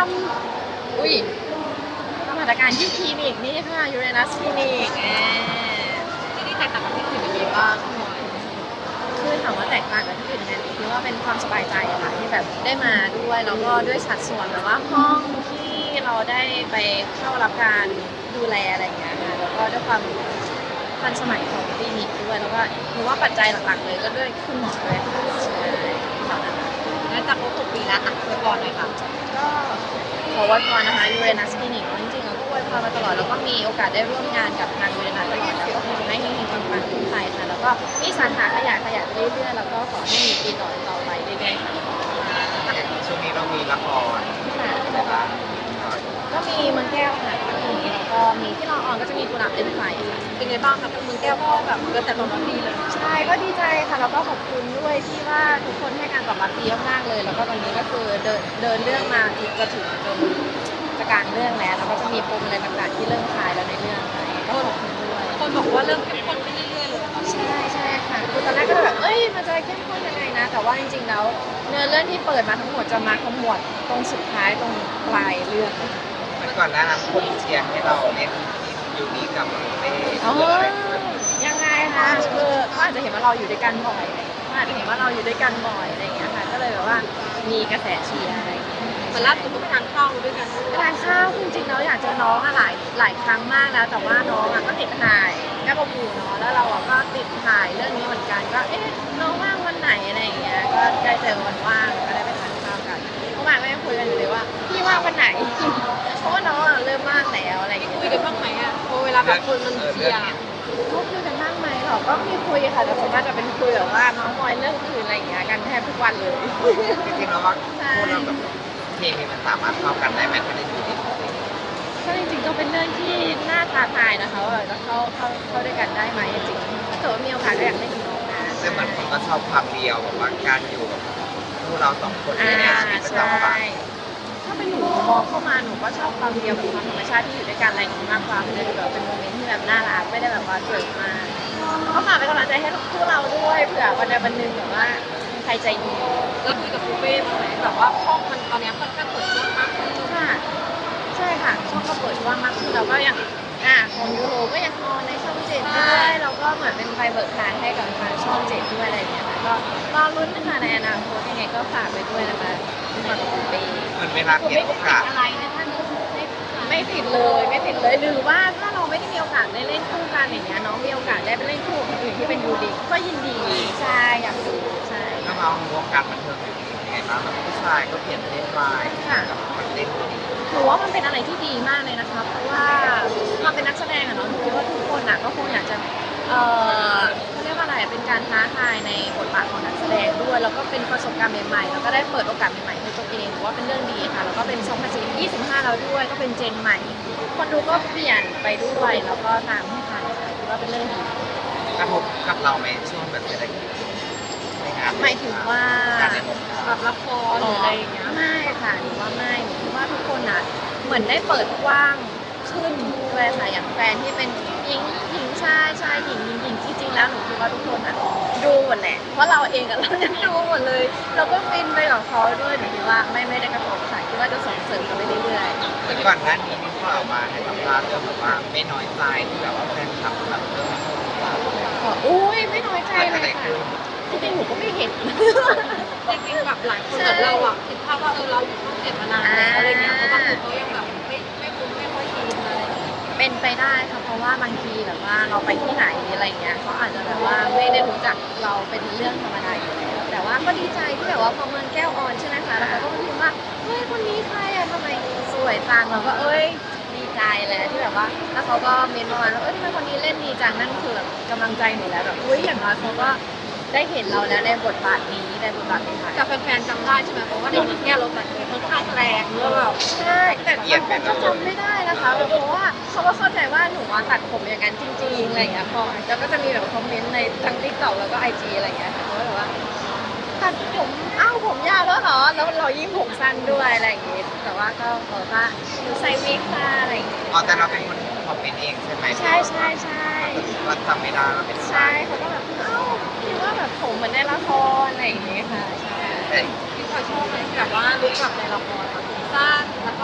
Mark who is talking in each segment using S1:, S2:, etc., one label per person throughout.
S1: อุ้ยทำหัตถการที่คลินิกนี่ค่ะยูเรนัสคลินิก
S2: ที่นี่แตกต่างกับที่อื่นยังไงบ้าง
S1: คือถามว่าแตกต่างกับที่อื่นยังไงคือว่าเป็นความสบายใจค่ะที่แบบได้มาด้วยแล้วก็ด้วยสัดส่วนแบบว่าห้องที่เราได้ไปเข้ารับการดูแลอะไรอย่างเงี้ยค่ะแล้วก็ด้วยความทันสมัยของคลินิกด้วยแล้วก็หนูว่าปัจจัยหลักๆเลยก็ด้วยคุณหมอด้วยใช่เท่านั้น
S2: งั้นจากครบ6 ปีแล้วอ่ะไปก่อนหน่อยค่ะ
S1: ก็ขออวยพรนะคะยูเรนัสคลินิกจริงๆเราก็อวยพรมาตลอดแล้วก็มีโอกาสได้ร่วมงานกับทางยูเรนัสตลอดแล้วก็ขอให้เฮงๆปังๆขึ้นไปค่ะแล้วก็มีสาขาขยายไปเรื่อยๆแล้วก็ขอให้มีปีต่อไปเรื่อยๆค่ะ
S3: ช่วงนี้เรามีละครอะไรบ้าง
S1: ก็มีเมืองแก้วค่ะแล้วก็มีที่เราออนก็จะมีกุหลาบเล่นไฟค่ะ
S2: เป็นไงบ้างคะเมืองแก้วก็แบบกระแสตอบรับดีเลย
S1: ใช่ก็ดีใจค่ะแล้วก็ขอบคุณด้วยที่ว่าทุกคนให้การตอบรับดีมากๆเลยแล้วก็ตอนนี้ก็คือเดินเรื่องมาจะถึงจนจะกลางเรื่องแล้วแล้วก็จะมีปมอะไรต่างๆที่เริ่มคลายแล้วในเรื่องค่ะก็ขอบคุณด้วย
S2: คนบอกว่าเริ่มเข้มข้นขึ้นเรื่อยๆเลย
S1: ใช่ค่ะคือตอนแรกก็แบบมันจะเข้มข้นยังไงนะแต่ว่าจริงๆแล้วเนื้อเรื่องที่เปิดมาทั้งหมดจะมาขมวดตรงสุดท้ายตรงปลายเรื่อง
S3: เมื่อก่อนหน้านั้นคนเชียร์ให้เราเล่นยูนิกับเป้
S1: ยังไงคะคือเขาอาจจะเห็นว่าเราอยู่ด้วยกันบ่อยเขาอาจจะเห็นว่าเราอยู่ด้วยกันบ่อยอะไรอย่างเงี้ยค่ะก็เลยแบบว่ามีกระแสเชียร์อะไรอย่างเงี้ย
S2: มันล่าสุดก็ไปทานข้าวด้วยกัน
S1: ไปทานข้าวจริงๆแล้วอยากเจอน้องอะหลายครั้งมากแล้วแต่ว่าน้องอะก็ติดถ่ายแม่ประมูเนาะแล้วเราอะก็ติดถ่ายเรื่องนี้เหมือนกันก็น้องว่างวันไหนอะไรอย่างเงี้ยก็ได้เจอวันว่างก็ได้ไปทานข้าวกันเมื่อวานก็ยังคุยกันอยู่เลยว่าพี่ว่างวันไหนเพราะว่าน้องอะเริ่มว่างแล้วอะไรอย่างเงี้ย
S2: คุยกันบ้างไหมอ่ะพอเวลาแบบคนมันเชียร์
S1: เขาคุยกันบ้างไหมหรอก็มีคุยค่ะแต่ส่วนมากจะเป็นคุยแบบว่าน้องมอยเรื่องอื่นอะไรอย่างเงี้ยกันแทบทุกวันเลย
S3: จริงๆแล้วว่าคู่เราแบบเคมีมันสามารถเข้ากันได้ไหมถ้าได้ดูดี
S1: ก็จริงๆก็เป็นเรื่องที่น่าท้าทายนะคะว่าจะเข้าด้วยกันได้ไหมจริงๆถ้าเกิดว่ามีโอกาสก็อยากเล่นกับน้องนะ
S3: ซึ่งเหมือนคนก็ชอบความเดียวแบบว่าการอยู่กับคู่เรา2 คนในชีวิตประจำวัน
S1: ถ้าเป็นหนูมองเข้ามาหนูก็ชอบความเดียวกับความธรรมชาติที่อยู่ด้วยกันอะไรอย่างนี้มากกว่ามันจะแบบเป็นโมเมนต์ที่แบบน่ารักไม่ได้แบบว่าเกิดมาก็ฝากเป็นกำลังใจให้คู่เราด้วยเผื่อวันใดวันหนึ่งแบบว่าใครใจดี
S2: แล้วคุยกับปูเป้บ้างไหมแบบว่าช่องมันตอนนี้ค่อนข้างเปิดกว้างมากขึ้น
S1: ค่ะใช่ค่ะช่องก็เปิดกว้างมากขึ้นเราก็อย่างของยูโรก็ยังออนในช่อง7ด้วยเราก็เหมือนเป็นไฟเบิกทางให้กับทางช่อง7ด้วยอะไรอย่างเงี้ยค่ะก็รอลุ้นนะคะในอนาคตยังไงก็ฝากไปด้วยนะคะฝากกับปูเป้
S3: เหมือนเวลาเห็นโอกาส
S2: อะไรนะท่าน
S1: ไม่ผิดเลย หรือว่าถ้าเราไม่ได้มีโอกาสได้เล่นคู่กันอย่างเงี้ยน้องมีโอกาสได้ไปเล่นคู่กับคนอื่นที่เป็นยูริก็ยินดีใช่อยากดูใช่
S3: ถ้าเราวงการบันเทิงอย่างนี้ยังไงบ้างแบบผู้ชายก็เปลี่ยนเพศไปกับมันเล่น
S1: ถือว่ามันเป็นอะไรที่ดีมากเลยนะคะเพราะว่าความเป็นนักแสดงอะเนาะคิดว่าทุกคนอะก็คงอยากจะเขาเรียกว่าอะไรเป็นการท้าทายในบทบาทของนักแสดงด้วยแล้วก็เป็นประสบการณ์ใหม่ๆแล้วก็ได้เปิดโอกาสใหม่ๆให้ตัวเองถือว่าเป็นเรื่องดีค่ะแล้วก็เป็น2025แล้วด้วยก็เป็นเจนใหม่คนดูก็เปลี่ยนไปด้วยแล้วก็ตามให้ทันค่ะถือว่าเป็นเรื่องดี
S3: กระทบกับเราไหมช่วงแบบเศรษฐกิจในงาน
S1: หมายถึงว่า
S2: แบบละครหรืออะไรอย่างเงี้ย
S1: ไม่ค่ะหรือว่าไม่หรือว่าทุกคนอ่ะเหมือนได้เปิดกว้างขึ้นด้วยค่ะอย่างแฟนที่เป็นหญิงชายหญิงจริงๆแล้วหนูคิดว่าทุกคนอ่ะดูหมดแหละเพราะเราเองกับเรายังดูหมดเลยเราก็ฟินไปกับเขาด้วยหนูคิดว่าไม่ได้กระทบค่ะคิดว่าจะส่งเสริมกันไปเรื่อย
S3: ๆแต่ก่อนหน้านี้นี่ก็เอามาให้สัมภาษณ์เรื่องแบบว่าไม่น้อยใจที่แบบว่าแฟนคลับแบบเรื่อง
S1: อุ้ยไม่น้อยใจเลยค่ะจริงๆหนูก็ไม่เห็น
S2: จริงๆแบบหลายคนแบบเราอะคิดภาพว่าเราอยู่ช่อง7มานานแล้วอะไรเงี้ยเพราะบางคนเขายังแบบไม่คุ้นไม่ค่อยชินอะไร
S1: เป็นไปได้ค่ะเพราะว่าบางทีแบบว่าเราไปที่ไหนอะไรเงี้ยเขาอาจจะแบบว่าไม่ได้รู้จักเราเป็นเรื่องธรรมดาอยู่แล้วแต่ว่าก็ดีใจที่แบบว่าพอเมืองแก้วออนใช่ไหมคะแล้วเขาก็มาพิมพ์ว่าเฮ้ยคนนี้ใครอะทำไมสวยจังเราก็ดีใจเลยที่แบบว่าแล้วเขาก็เมนต์ประมาณว่าทำไมคนนี้เล่นดีจังนั่นคือแบบกำลังใจหนูแล้วแบบอย่างน้อยเขาก็ได้เห็นเราแล้วในบทบาทนี้ในบทบาทนี้ค่ะ
S2: แต่แฟนๆจำได้ใช่ไหมเพราะว่าในเมืองแก้วเราแต่งค่อนข้างแรงแล้วแบบ
S1: ใช่แต่บางคนก็จำไม่ได้นะคะเพราะว่าเขาก็เข้าใจว่าหนูว่าตัดผมอย่างนั้นจริงๆอะไรอย่างเงี้ยพอแล้วก็จะมีแบบคอมเมนต์ในทั้ง TikTok แล้วก็ IG อะไรอย่างเงี้ยค่ะเขาแบบว่าตัดผมผมยาวแล้วเหรอแล้วเรายิ่งผมสั้นด้วยอะไรอย่างเงี้ยแต่ว่าก็บอกว่าหนูใส่วิกค่ะอะไรอย่างเงี้ย
S3: แต่เราเป็นคนคอมเมนต์เองใช่ไหม
S1: ใช่
S3: ว่าจำไม่ได้เราเป็น
S1: ใช่เขาก็แบบคิดว่าแบบผมเหมือนในละครอะไรอย่างเงี้ยค่ะใช่
S2: ที่เขาชอบไหมแบบว่าลุคแบบในละครสั้นแล้วก็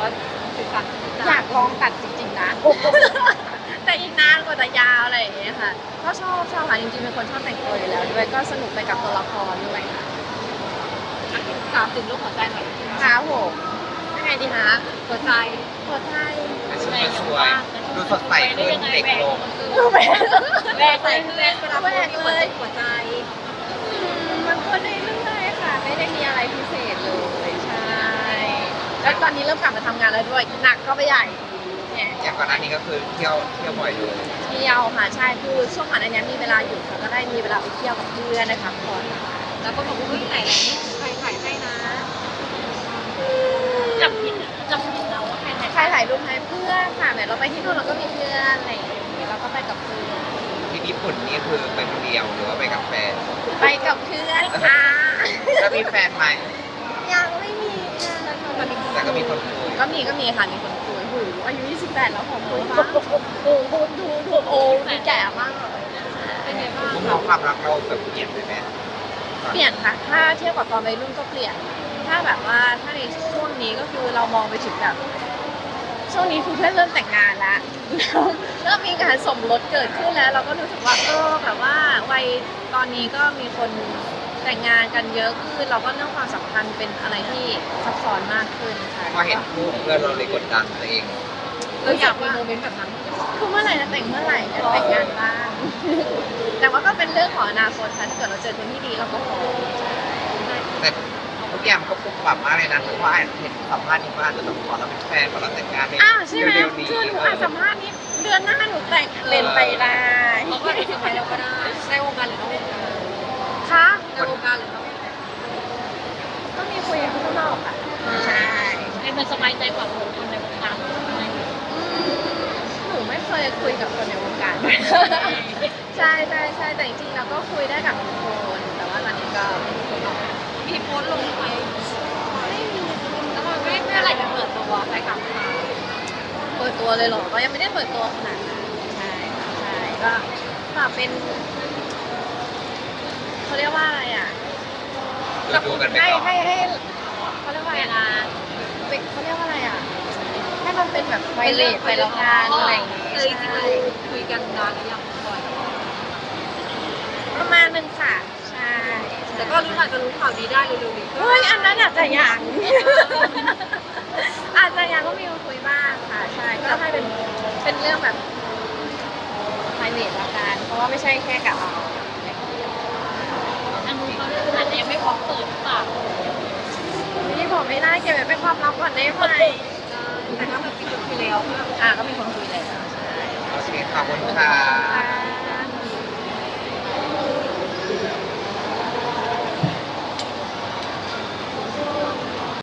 S2: คือกัน
S1: อยากลองตัดจริงๆนะ แต่อีกนานกว่าจะยาวอะไรอย่างเงี้ยค่ะก็ชอบค่ะจริงๆเป็นคนชอบแต่งตัวอยู่แล้วด้วยก็สนุกไปกับตัวละครด้วยค่ะ
S2: ถามถึงเรื่องหัวใจหน่อย
S1: ครับผมยังไงดีคะ
S2: หัวใจ
S1: หัวใจ
S3: ชุดสวยดูสดใสขึ้นเด็กลง
S1: ดูแหวน
S2: แรกใส่คือแรกเวลาพูดมีหัวใจ
S1: มันก็เรื่อยๆค่ะ ไม่ได้มีอะไรพิเศษเลยใช่แล้วตอนนี้เริ่มกลับมาทำงานแล้วด้วยหนักก็ไปใหญ่เนี่ย
S3: อย่างก่อนหน้านี้ก็คือเที่ยวบ่อยเลย
S1: เที่ยวค่ะใช่คือช่วงก่อนอันนี้มีเวลาหยุดค่ะก็ได้มีเวลาไปเที่ยวกับเพื่อนนะคะก่อน
S2: แล้วก็บอกว่าใส่ใครถ่ายให้นะ
S1: จำผิดเราว่าใครถ่ายรูปให้เพื่อนค่ะแบบเราไปที่นู่นเราก็มีเพื่อนอะไรอย่างเงี้ยเราก็ไปกับเพื่อน
S3: ที่ญี่ปุ่นนี่คือไปคนเดียวหรือว่าไปกับแฟน
S1: ไปกับเพื่อนค่ะ
S3: แล้วมีแฟนไหม
S1: ยังไม่มีค่ะ
S3: แต่ก็มีคนคุย
S1: ก็มีค่ะมีคนคุยหูอายุ28แล้วขอคุยบ้างดูโอ้ดูแก่มากเลย
S2: เป็นไงบ้าง
S3: มุมมองความรักเราแบบเปลี่ยนไปไหม
S1: เปลี่ยนค่ะถ้าเทียบกับตอนวัยรุ่นก็เปลี่ยน ถ้าแบบว่าถ้าในช่วงนี้ก็คือเรามองไปถึงแบบช่วงนี้คือเพื่อนเริ่มแต่งงานแล้ว เริ่มมีการสมรสเกิดขึ้นแล้ว เราก็รู้สึกว่าแบบว่าวัยตอนนี้ก็มีคนแต่งงานกันเยอะขึ้นเราก็เรื่องความสัมพันธ์เป็นอะไรที่ซับซ้อนมากขึ้นค่ะ
S3: พอเห็นคู่เพื่อนเราเลยกดดันตัวเอง
S2: เราอยากมีโมเมนต์แบบนั้น
S1: คือเมื่อไหร่จะแต่งเมื่อไหร่จะแต่งงานบ้าง แต่ว่าก็เป็นเรื่องของอนาคตค่ะถ้าเกิดเราเจอคนที่ดีเราก็พร้อมใช่
S3: แต่ทุกอย่างก็ปรับปรับมากเลยนะเพราะว่าเห็นสัมภาษณ์นี้ว่าอาจจะต้องขอเราเป็นแฟนขอเราแต่งงานใน
S1: อ้าวใช่ไหม
S3: เร็วๆนี้
S1: คือหนูอ่านสัมภาษณ์นี้เดือนหน้าหนูแต่งเป็นไปได้
S2: เขาก็จะไปแล้วก็ได้ในวงการหรือนอกวงการ
S1: ค่ะ
S2: ในวงการหรือนอกวงการ
S1: ก็มีคุยกับข้างนอกค่ะใช่
S2: ให้มันสบายใจกว่าคนในวงการ
S1: หนูไม่เคยคุยกับคนในวงการ ใช่แต่จริงๆเราก็คุยได้กับทุกคนแต่ว่าตอนนี้ก็ไม่มีคนออก
S2: มีโพสต์ลงไป
S1: ไม่มี
S2: แล้วมันไม่อะไรจะเปิดตัวไปกับเขา
S1: เปิดตัวเลยเหรอก็ยังไม่ได้เปิดตัวขนาดนั้นใช่ก็เป็นเขาเรียกว่าอะไรอ่ะ
S3: ดูกันไป
S1: ให้
S3: ก่อน
S1: ให้เขาเรียกว่าอะไรนะเขาเรียกว่าอะไรอ่ะให้มันเป็นแบบไวเลสไปแล้วกันอะไรอย่างเงี้ย
S2: จริงๆคุยกันนานหรือยังบ่อย
S1: ประมาณนึงค่ะใช่
S2: แต่ก็รู้อาจจะรู้ข่าวดีได้เร็วๆนี้
S1: เฮ้ยอันนั้นอาจจะยัง อาจจะยังก็มีมาคุยบ้างค่ะใช่ก็ให้เป็นเรื่องแบบไพรเวทละกันเพราะว่าไม่ใช่แค่กับเรา
S2: อันนี้เขาอาจจะยังไม่พร้อมเปิดหรือเปล่า
S1: นี่บอกไม่ได้เก็บไว้เป็นความลับก่อนได้ไหม
S2: แต่ก็แบบคุยแล้ว
S1: ก็มีคนคุยแล้วใช่
S3: โอเคขอบคุณค่ะ
S1: ค่ะ